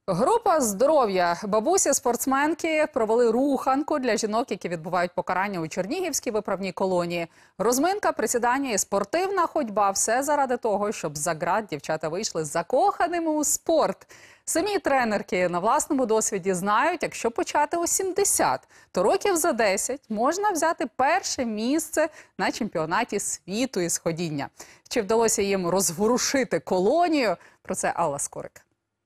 Група «Здоров'я» бабусі-спортсменки провели руханку для жінок, які відбувають покарання у Чернігівській виправній колонії. Розминка, присідання і спортивна ходьба – все заради того, щоб з-за ґрат дівчата вийшли закоханими у спорт. Самі тренерки на власному досвіді знають, якщо почати у 70, то років за 10 можна взяти перше місце на чемпіонаті світу із ходіння. Чи вдалося їм розворушити колонію? Про це Алла Скорик.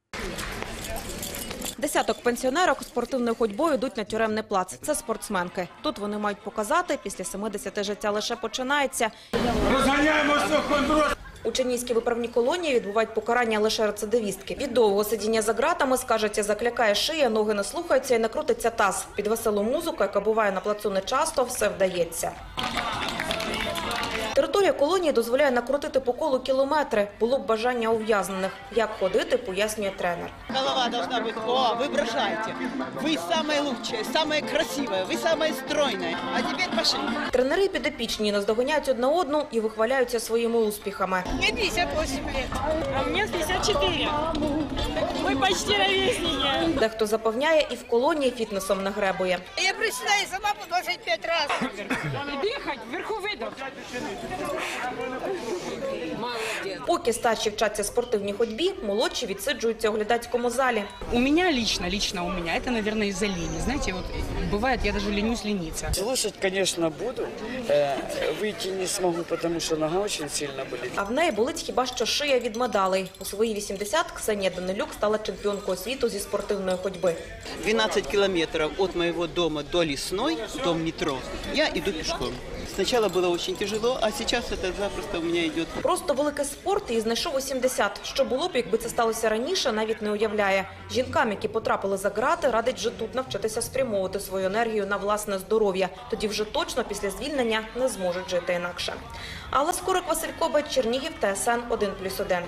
Десяток пенсіонерок спортивною ходьбою йдуть на тюремний плац. Це спортсменки. Тут вони мають показати, після 70 життя лише починається. Розганяємося, хондрос! У Чернігівській виправній колонії відбувають покарання лише рецидивістки. Від довгого сидіння за ґратами, скажеться, заклякає шия, ноги не слухаються і не крутиться таз. Під веселу музику, яка буває на плацу нечасто, все вдається. Територія колонії дозволяє накрутити по колу кілометри. Було б бажання ув'язнених. Як ходити, пояснює тренер. Голова должна быть, вы бросаете. Вы самые лучшие, самые красивые, вы самые стройные. А теперь пошли. Тренери підопічні наздоганяють одна одну і вихваляються своїми успіхами. Мне 58 лет. А мне 54. Мы почти ровесники. Дехто запевняє, і в колонії фітнесом не гребує. Я приседаю сама по 25 раз. Дыхать, вверху выдох. Поки старші вчаться спортивній ходьбі, молодші відсиджуються у глядацькому залі. У меня лично у меня, это, наверное, из-за лени. Знаете, вот бывает, я даже ленюсь лениться. Слушать, конечно, буду. Выйти не смогу, потому что нога очень сильно болит. А в неї болить хіба що шия від медалей. У свої 80 Ксенія Данилюк стала чемпіонкою світу зі спортивної ходьби. 12 километров от моего дома до Лесной, до метро, я иду пешком. Сначала было очень тяжело, а сейчас это запросто у меня идет. Просто великий спорт і знайшов у 70. Що було б, якби це сталося раніше, навіть не уявляє. Жінкам, які потрапили за ґрати, радить вже тут навчитися спрямовувати свою енергію на власне здоров'я. Тоді вже точно після звільнення не зможуть жити інакше. Алла Скорик, Василь Кобець, Чернігів, ТСН 1+1.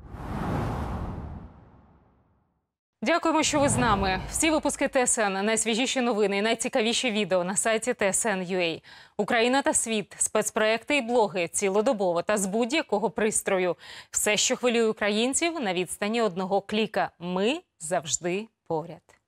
Дякуємо, що ви з нами. Всі випуски ТСН, найсвіжіші новини і найцікавіші відео на сайті TSN.ua. Україна та світ, спецпроекти і блоги цілодобово та з будь-якого пристрою. Все, що хвилює українців, на відстані одного кліка. Ми завжди поряд.